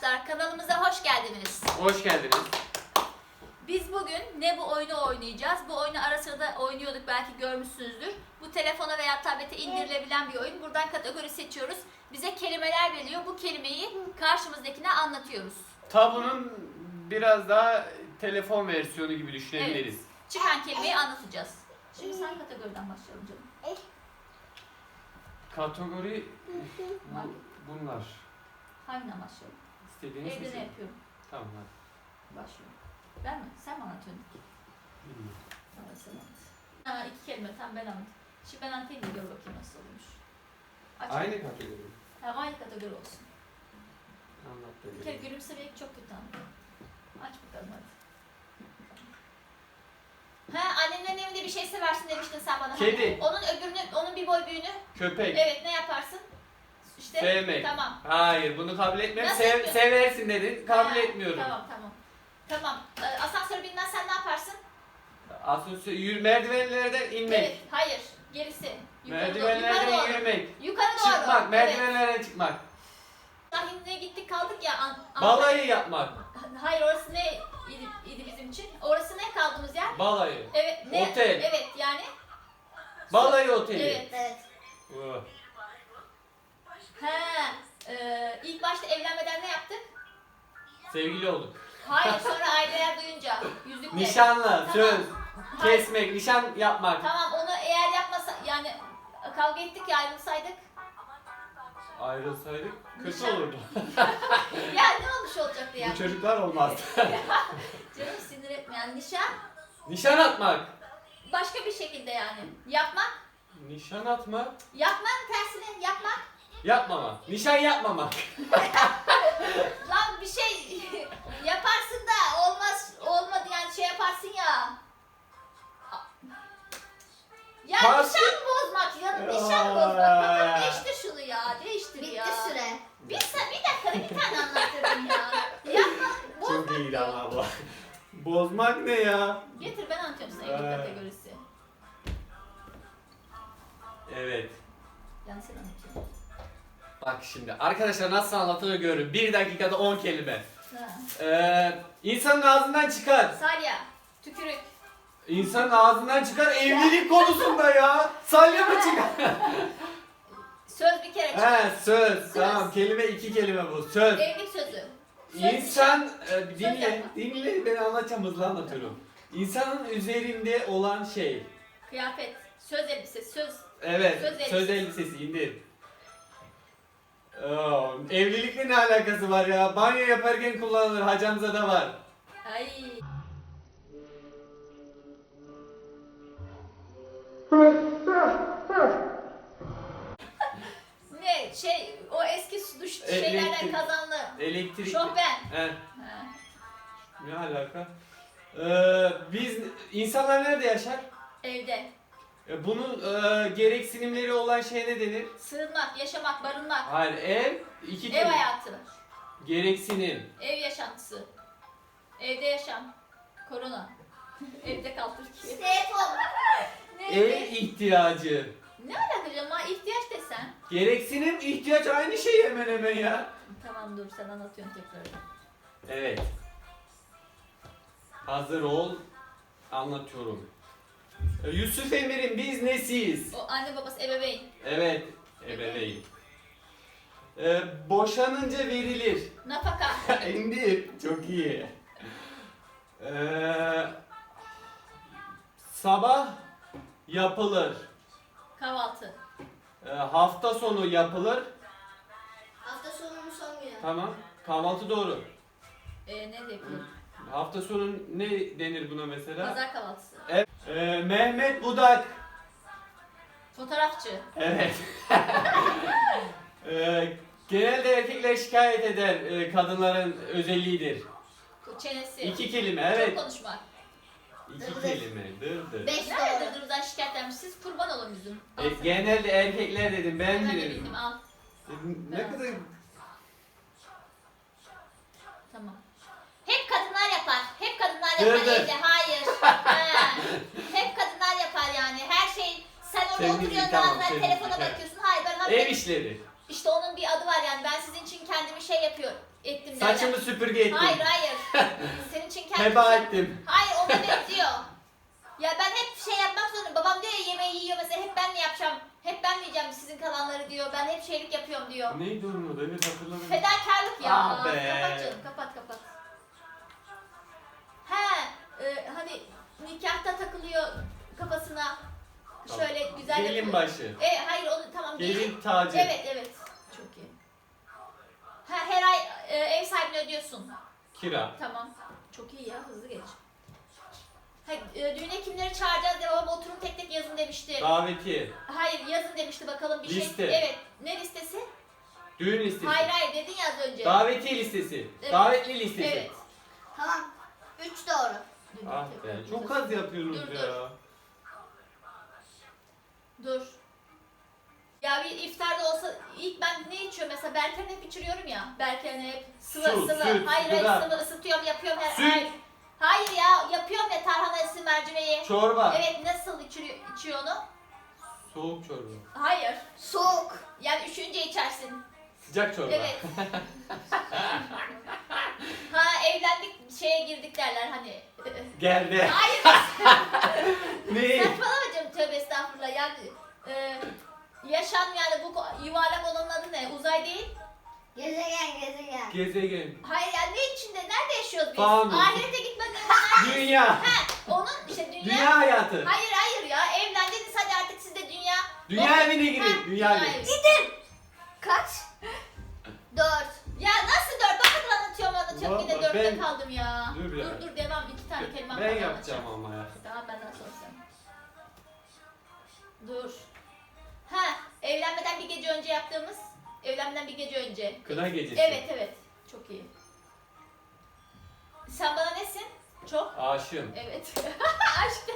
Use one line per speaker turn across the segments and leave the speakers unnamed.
arkadaşlar, kanalımıza hoş geldiniz.
Hoş geldiniz.
Biz bugün ne bu oyunu oynayacağız? Bu oyunu ara sıra da oynuyorduk, belki görmüşsünüzdür. Bu telefona veya tablete indirilebilen bir oyun. Buradan kategori seçiyoruz. Bize kelimeler veriyor. Bu kelimeyi karşımızdakine anlatıyoruz.
Tabunun biraz daha telefon versiyonu gibi düşünebiliriz.
Evet. Çıkan kelimeyi anlatacağız. Şimdi sen kategoriden başlayalım canım.
Kategori bunlar.
Hanginden başlayalım?
İstediğiniz
Evde ne
misin?
yapıyorum?
Tamam hadi.
Başlıyorum. Ben mi? Sen mi anlatıyorsun?
Bilmiyorum.
Evet, sen anlat. Ha, iki kelime, tamam ben anlat. Şimdi ben anlatayım da gör bakayım nasıl olmuş. Aç.
Aynı kategori.
Tamam, aynı kategori olsun.
Anlat
Bir kere
da.
gülümsemek çok kötü ama. Aç bakalım hadi. Ha, annenin evinde bir şey seversin demiştin sen bana.
Kedi.
Onun öbürünü, onun bir boy büyüğünü.
Köpek.
Evet, ne yaparsın? İşte.
Sevmek.
Tamam.
Hayır, bunu kabul etmiyorum.
Nasıl yapıyorsun?
Seversin dedin. Kabul
Ha,
etmiyorum.
Tamam. Tamam. Asansörü bilmezsen ne yaparsın?
Asansör merdivenlerden inmek.
Evet, hayır. Gerisi. Yukarı
Merdivenlerden
doğru.
yürümek.
Yukarı doğru.
Çıkmak, merdivenlerden çıkmak.
Sahinliğe gittik kaldık ya.
Balayı yapmak.
Hayır, orası ne idi bizim için? Orası ne kaldığımız yer?
Balayı.
Evet. Ne?
Otel.
Evet yani.
Balayı oteli.
Evet.
Oh.
İlk başta evlenmeden ne yaptık?
Sevgili olduk.
Hayır, sonra aileler duyunca yüzükle.
Nişanlı,
Tamam.
söz,
Hayır.
kesmek, nişan yapmak.
Tamam, onu eğer yapmasa yani kavga ettik ya, ayrılsaydık.
Ayrılsaydık kötü
Nişan-
olurdu.
Ya ne olmuş olacaktı yani?
Bu çocuklar olmazdı.
Canım sinir etme yani, nişan
Nişan atmak.
başka bir şekilde yani. Yapmak.
Nişan atmak.
Yapmak tersine yapmak.
Yapmamak. Nişan yapmamak.
Lan bir şey yaparsın da olmadı yani, şey yaparsın ya. Ya
Pas-
nişan bozmak ya, nişan bozmak. Tamam, değiştir şunu ya, değiştir ya.
Bitti süre.
Bir dakikada bir tane anlattırdın ya. Yapma,
Çok
bozmak
iyiydi
diyor.
ama bu. Bozmak ne ya?
Getir, ben anlatıyorum sana evlilik kategorisi.
Evet.
Yani sen anlatıyorsun.
Bak şimdi arkadaşlar nasıl anlatılır görün. 1 dakikada 10 kelime.
Ha.
İnsanın ağzından çıkar.
Salya, tükürük,
İnsanın ağzından çıkar evlilik konusunda ya. Salya mı çıkar?
söz bir kere çıkar.
He söz. Tamam kelime 2 kelime bu. Söz.
Evlilik sözü. Söz
İnsan dinle,
yapma.
dinle ben anlatacağım hızlı anlatıyorum. İnsanın üzerinde olan şey.
kıyafet, söz elbisesi, söz.
Evet,
Söz
söz elbisesi indir. Evlilikle ne alakası var ya? Banyo yaparken kullanılır, hacamıza da var.
Ay. Ne şey, o eski duş şeylerden
Elektrik.
kazanlı.
Elektrik.
Şofben.
He,
Ha.
ne alaka? Biz insanlar nerede yaşar?
Evde.
Bunun gereksinimleri olan şey ne denir?
Sığınmak, yaşamak, barınmak.
Hayır, ev iki
Ev
kelime.
hayatı.
Gereksinim.
Ev yaşantısı. Evde yaşam. Korona. Evde kal Türkiye.
Telefon.
Ne?
Ev ihtiyacı.
Ne alaka canım ha, ihtiyaç desen.
Gereksinim, ihtiyaç aynı şey hemen hemen ya.
Tamam, dur sen anlatıyorsun tekrar.
Evet. Hazır ol. Anlatıyorum. Yusuf Emir'in biz nesiyiz?
O anne babası ebeveyn.
Evet. Ebeveyn. Boşanınca verilir.
Nafaka.
İndir. Çok iyi. Sabah yapılır.
Kahvaltı.
Hafta sonu yapılır.
Hafta sonunun son günü.
Tamam. Kahvaltı doğru.
Ne de yapıyor?
Hafta sonu ne denir buna mesela?
Pazar kahvaltısı.
Evet. Mehmet Budak.
Fotoğrafçı.
Evet. Genelde erkekler şikayet eder. Kadınların özelliğidir.
Çenesi.
2 kelime evet.
Çok konuşmak.
2 kelime. Dır.
5
Nerede
doğru.
dırdırdan şikayetlenmiş? Siz kurban olun bizim. Al sen.
Genelde erkekler dedim ben
Ben de
dedim.
bildim, al.
Ne kadar
Tamam. Hep kadınlar yapar. Hep kadınlar
Dır
yapar
dır.
evde. Hayır. Ha. Hep kadınlar yapar yani. Her şey sen orada
Temizlik,
oturuyorsun,
tamam,
bazen
temizlik,
telefona
evet.
bakıyorsun. Hayır, ben
ev işleri.
İşte onun bir adı var yani. Ben sizin için kendimi şey yapıyorum. Ettim senin derler.
Saçımı süpürge ettim.
Hayır hayır. Senin için kendi
Heba ettim.
Hayır ona benziyor. Ya ben hep şey yapmak zorundayım. Babam diyor ya yemeği yiyor mesela hep ben mi yapacağım? Hep ben mi yiyeceğim sizin kalanları diyor. Ben hep şeylik yapıyorum diyor.
Neydi onun adı? Evet hatırladım.
Fedakarlık ya.
Ah be.
Kapat canım kapat. Hani nikahta takılıyor kafasına. Şöyle güzel
Gelin
yapıyor.
başı.
Hayır onu tamam
Gelin tacı.
Evet. Çok iyi. Her ay ev sahibine ödüyorsun.
Kira.
Tamam. Çok iyi ya hızlı geç. Düğüne kimleri çağıracağız diye babam oturun tek tek yazın demişti.
Davetiye.
Hayır yazın demişti bakalım bir
Liste.
şey. Evet. Ne listesi?
Düğün listesi.
Hayır dedin ya az önce.
Davetiye listesi.
Evet.
Davetli listesi.
Evet.
Tamam. 3 doğru.
Ah be. Çok az yapıyorsunuz
Dur,
ya.
Dur. Ya bir iftarda olsa ilk ben ne içiyorum mesela Berke'nin hep içiriyorum ya. Berke'nin hep sıvı.
Süt,
Hayır
gıda.
sıvı ısıtıyorum yapıyorum her
Süt.
ay. Hayır ya yapıyorum ya tarhanası mercimeği.
Çorba.
Evet nasıl içiyor onu?
Soğuk çorba.
Hayır.
Soğuk.
Yani üşüyünce içersin.
Sıcak çorba.
Evet. Evlendik şeye girdik derler hani.
Geldi.
Hayır
Ne?
saçmalama canım tövbe estağfurullah yani yaşam yani bu yuvarlak olanın adı ne? Uzay değil.
Gezegen.
Gezegen.
Hayır yani ne içinde? Nerede yaşıyoruz biz?
Fanus.
Ahirete gitmeden
Dünya.
onun işte dünya.
Dünya hayatı.
Hayır ya evlendiniz hadi artık siz de dünya.
Dünya evine girin.
Ha,
Dünya evi.
evi.
Gidin. Kaç? 4.
Ya nasıl dört? Ben kadar anlatıyorum yine
Vallahi
dörtte
ben-
kaldım ya.
Dur ya.
Dur devam iki tane kelime
Ben
falan
yapacağım
anlatacağım.
ama ya.
Tamam benden sonra sen. Dur. Evlenmeden bir gece önce yaptığımız. Evlenmeden bir gece önce.
Kına gecesi.
Evet. Çok iyi. Sen bana nesin? Çok.
Aşığım.
Evet. Aşk.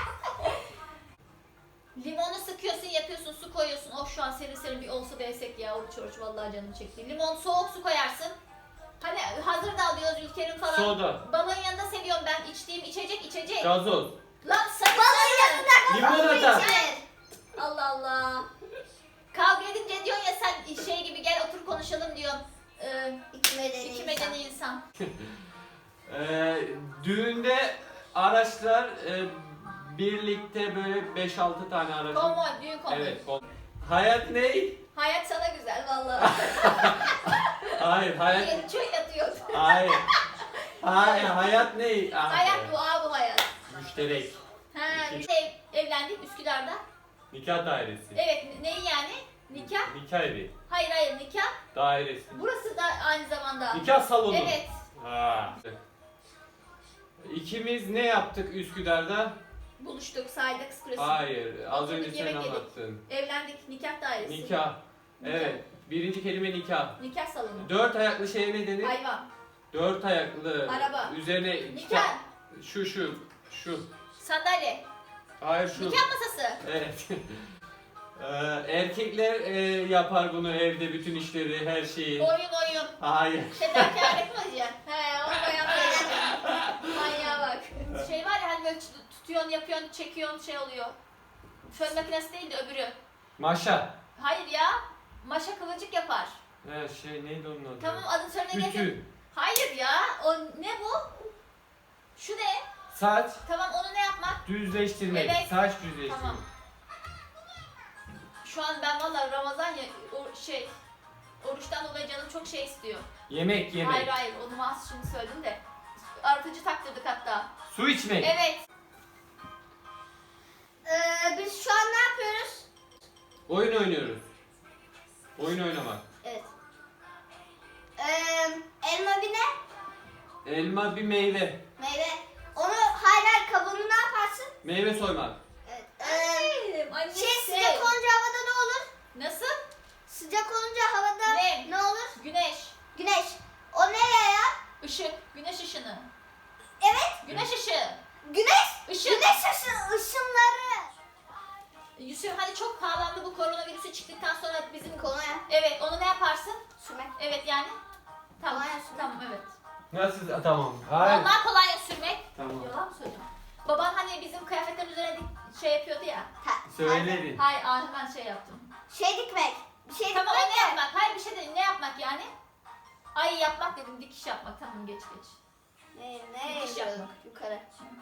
Limonu sıkıyorsun, yapıyorsun, su koyuyorsun. Oh şu an serin serin bir olsa desek ya. Oruç oruç vallahi canım çekti. Limon soğuk su koyarsın. Hani hazır da alıyoruz ülkenin falan.
Soda.
Balığın yanında seviyorum ben içtiğim içecek.
Gazoz.
Lan sakın.
Limonata.
Evet.
Allah Allah. Kavga edince diyorsun ya sen şey gibi gel otur konuşalım diyorsun. İki medeni insan.
Düğünde araçlar birlikte böyle 5-6 tane araç.
Konvoy, düğün konvoy.
Evet. Hayat ne?
Hayat sana güzel vallahi.
Hayır, hayat.
Yeni çöy yatıyor.
Hayır. Hayat ne?
Hayat bu bu hayat.
Müşterek.
Biz de evlendik Üsküdar'da.
Nikah dairesi.
Evet neyi yani? Nikah?
Nikah evi.
Hayır nikah.
Dairesi.
Burası da aynı zamanda.
Nikah salonu.
Evet.
Ha. İkimiz ne yaptık Üsküdar'da?
Buluştuk sahilde kız kulesi.
Hayır. Az
Oturduk,
önce sen
yemek yedik.
anlattın.
Evlendik nikah dairesi.
Nikah. Evet. Birinci kelime nikah.
Nikah salonu.
4 ayaklı şeye ne denir?
Hayvan.
4 ayaklı.
Araba.
Üzerine
Nikah.
Şu.
Sandalye.
Hayır şu.
Nikah masası.
Evet. Erkekler yapar bunu evde bütün işleri, her şeyi.
Oyun.
Hayır.
Fedakarlık mı diyeceksin? Onu bayanlar manyağa bak. Şey var ya hani böyle tutuyorsun, yapıyorsun, çekiyorsun şey oluyor. Fön makinesi değil de öbürü.
Maşa.
Hayır ya. Maşa kıvırcık yapar.
Neydi onun adı?
Tamam adını söyle getir.
Ütü.
Hayır ya. O ne bu? Şu ne?
Saç.
Tamam onu ne yapmak?
Düzleştirmek.
Evet.
Saç düzleştirmek.
Tamam. Şu an ben valla Ramazan ya oruçtan dolayı canım çok şey istiyor.
Yemek.
Hayır onu mahsus şimdi söyledim de. Artıcı taktırdık hatta.
Su içmek.
Evet.
Biz şu an ne yapıyoruz?
Oyun oynuyoruz. Oyun oynamak.
Evet. Elma bir ne?
Elma bir meyve.
Meyve. Onu hayır kabuğunu ne yaparsın?
Meyve soymak.
Evet.
Annesi.
Sıcak olunca havada ne olur?
Nasıl?
Sıcak olunca havada
Ne?
ne olur?
Güneş.
Güneş. O ne ya?
Işık. Güneş ışını.
Evet.
Güneş ışığı.
Güneş.
Işık.
Güneş ışınları.
Yusuf hani çok pahalandı bu koronavirüsü çıktıktan sonra bizim
Kolonya.
Evet onu ne yaparsın?
Sürmek.
Evet yani. Tamam.
Kolonya sürmek.
Tamam evet.
Nasıl? Tamam. Hayır.
Ondan kolonya sürmek.
Tamam.
Yalan mı söyleyeceğim? Baban hani bizim kıyafetlerin üzerine şey yapıyordu ya.
Söyledin.
Hayır hemen şey yaptım.
Şey dikmek. Bir şey
Tamam o
dikmek
ne
de.
yapmak? Hayır bir şey değil. Ne yapmak yani? Ay yapmak dedim, dikiş yapmak. Tamam geç geç.
Ne
Dikiş
yapıyorsun?
yapmak.
Yukarı.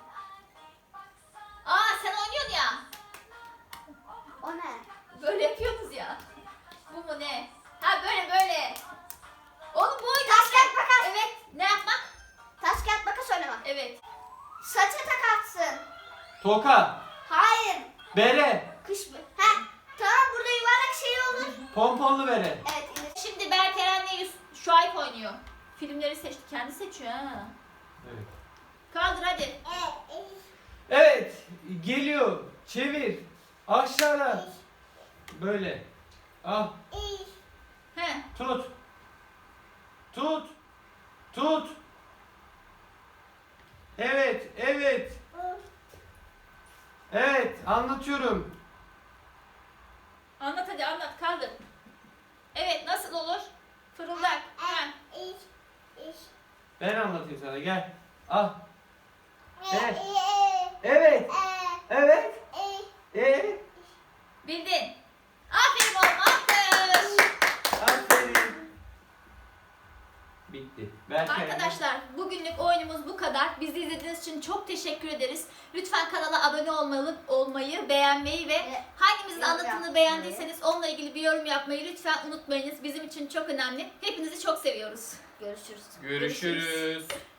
Aa sen oynuyorsun ya.
O ne?
Böyle yapıyorsunuz ya. Bu mu ne? Ha böyle böyle. Oğlum bu oyun.
Taş kağıt makas.
Evet. Ne yapmak?
Taş kağıt makas oynamak.
Evet.
Saça takarsın.
Toka.
Hayır.
Bere.
Kış. Ha. Tamam burada yuvarlak şey olur.
Pomponlu bere.
Evet. indir.
Şimdi Berk Eren'le Şuayb oynuyor. Filmleri seçti. Kendi seçiyor ha.
Evet.
Kaldır hadi.
Evet. Geliyor. Çevir. Aşağıda. Böyle. Al.
He.
Tut. Tut. Tut. Evet. Evet. Evet. Anlatıyorum.
Anlat hadi anlat. Kaldır. Evet nasıl olur? Fırıldak. Ha.
Ben anlatayım sana. Gel. Al. Evet. Evet. Evet. Evet.
Bildin. Aferin oğlum. Alkış.
Aferin. Bitti. Belki
Arkadaşlar bugünlük oyunumuz bu kadar. Bizi izlediğiniz için çok teşekkür ederiz. Lütfen kanala abone olmayı, beğenmeyi ve hangimizin
yorum
anlatımını
yapmayı.
beğendiyseniz onunla ilgili bir yorum yapmayı lütfen unutmayınız. Bizim için çok önemli. Hepinizi çok seviyoruz.
Görüşürüz.
Görüşürüz.